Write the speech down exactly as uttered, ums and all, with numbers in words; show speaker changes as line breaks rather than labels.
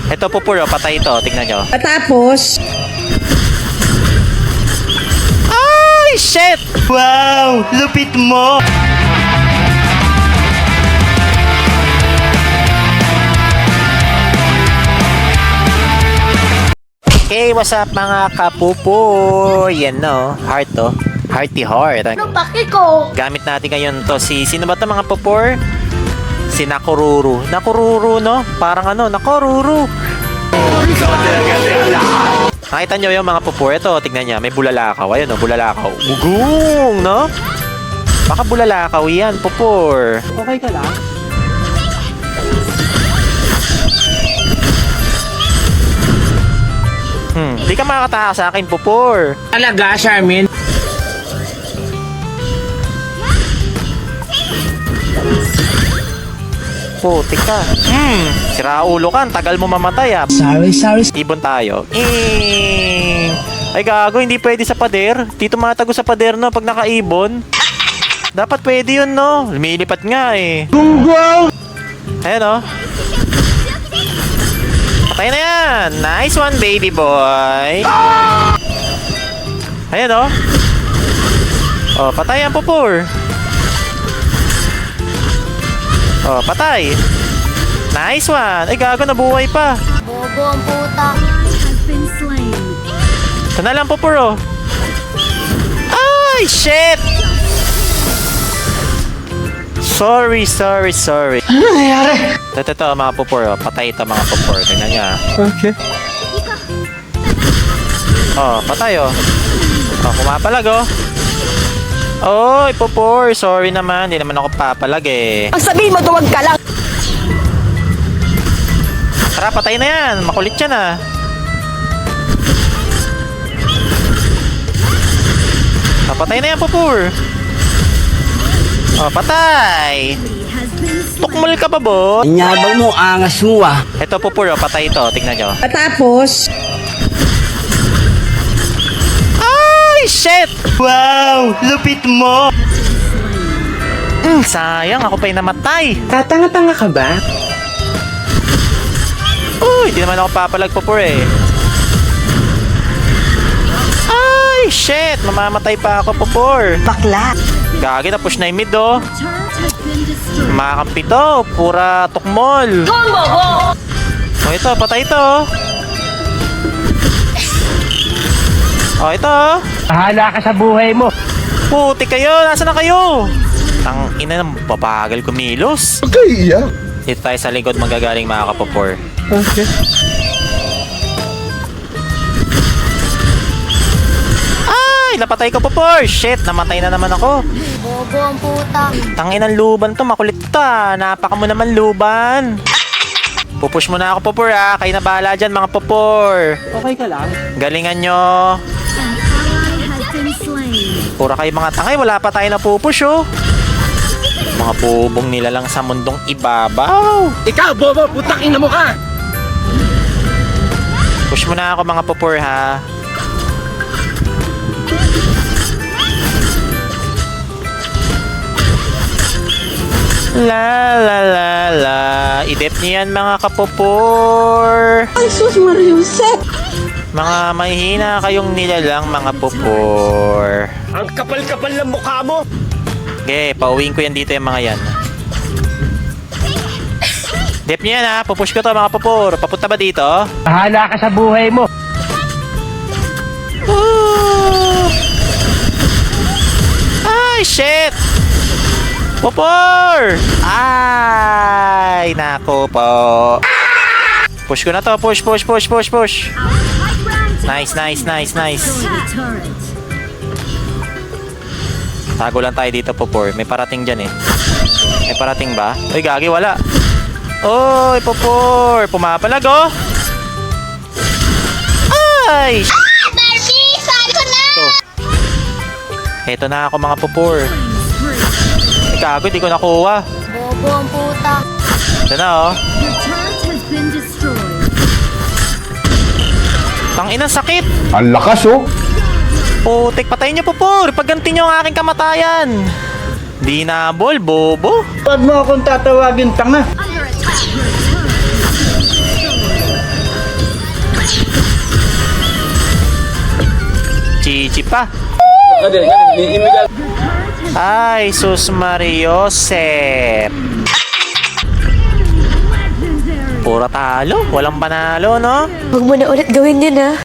Ito po puro, patay ito. Tignan nyo.
Tapos,
Ay, shit!
Wow! Lupit mo!
Hey, what's up mga kapupo? Yan no, heart to. Hearty heart.
Ano paki ko?
Gamit natin ngayon to si, sino ba to mga popor? Si Nakururu. Nakururu no? Parang ano, Nakururu. Nakita nyo yung mga popor. Ito, tignan niya, may bulalakaw. Ayun no, bulalakaw. Ugong, no? Baka bulalakaw yan, popor.
okay ka lang?
Hmm, di ka makakatakas sa akin, popor.
Talaga, Charmin?
Putik ka. Hmm, sira ulo ka. Ang tagal mo mamatay ah.
Sorry, sorry.
Ibon tayo. Eh. Ay gago, hindi pwede sa pader. Dito matago sa pader no, pag nakaibon. Dapat pwede yun no. Lumilipat nga eh.
Gunggong!
Ayan oh. Patay na yan. Nice one baby boy. Ayan oh. Oh, patay yan pupur. Oh, patay. Nice one. Ay gago, nabuhay pa.
Bobo ang puta.
Ito na lang pupur oh. Ay, shit! Sorry, sorry, sorry.
Ano nangyayari?
Ito, ito, mga pupur oh. Patay ito mga pupur. Tingnan niya.
Okay.
Oh, patay oh. Oh, kumapalag oh. Oy, pupur. Sorry naman. Hindi naman ako papalag eh.
Ang sabihin mo, duwag ka lang.
Tara, patay na yan. Makulit yan ah. Oh, patay na yan, pupur. Oh, patay. Tukmol ka ba, bo?
Anyabang mo, angas mo ah.
Ito, pupur oh. Patay ito. Tignan nyo.
Tapos,
Ay, shit!
Wow! Lupit mo!
Mm, sayang. Ako pa yung namatay.
tatanga-tanga ka ba?
Uy, di naman ako papalag pupur eh. Ay, shit! Mamamatay pa ako, pupur.
Bakla.
Gagi, na-push na yung mid, oh. Makakampi to. Pura tukmol. Oh, ito. Patay ito, oh. Oh, ito, oh.
Bahala ka sa buhay mo.
Puti kayo. Nasaan na kayo? Ang ina ng babagal kumilos.
Okay, yeah.
Dito tayo sa likod magagaling mga kapupor.
Okay.
Ay, napatay ko popor. Shit, namatay na naman ako.
Bobo ang puta.
Tangin ng luban to, makulit ta. Napaka mo naman luban. Pupush mo na ako popor ha. Kayo na bahala dyan mga popor.
Okay ka lang?
Galingan nyo. Pura kayo mga tangay, wala pa tayo na pupush oh. Mga bubong nila lang sa mundong ibabaw.
Ikaw, bobo, putang ina mo ka!
Push mo na ako mga popor ha. La la la la. Idep niyan mga kapopor.
Ay, sus, Mariusep.
Mga mahihina kayong nilalang mga popor.
Ang kapal-kapal ng mukha mo!
Okay, pauwiin ko yan dito yung mga yan. Dep niya yan ha, pupush ko to mga popor. Papunta ba dito?
Bahala ka sa buhay mo!
Woo! Ay, shit! Popor! Ay, nako po. Push ko na to, push, push, push, push, push. Nice, nice, nice, nice. Tago lang tayo dito, Popor. May parating dyan eh. May parating ba? Uy, gagi, wala. Oy, Popor! Pumapalag, oh! Ay!
Barbie! Saan ko na?
Ito. Eto na ako, mga Popor. Ay, gago, di ko nakuha.
Bobo ang puta.
Ito na, oh. Tangina, sakit!
Ang lakas, oh.
Putik, patayin niyo, Popor! Pagganti niyo ang aking kamatayan! Di na, bol, bobo!
Huwag mo akong tatawagin tanga!
Chichi pa. Ay, sus Mariosep. Pura talo, walang panalo, no?
Huwag mo na ulit gawin yun, ah.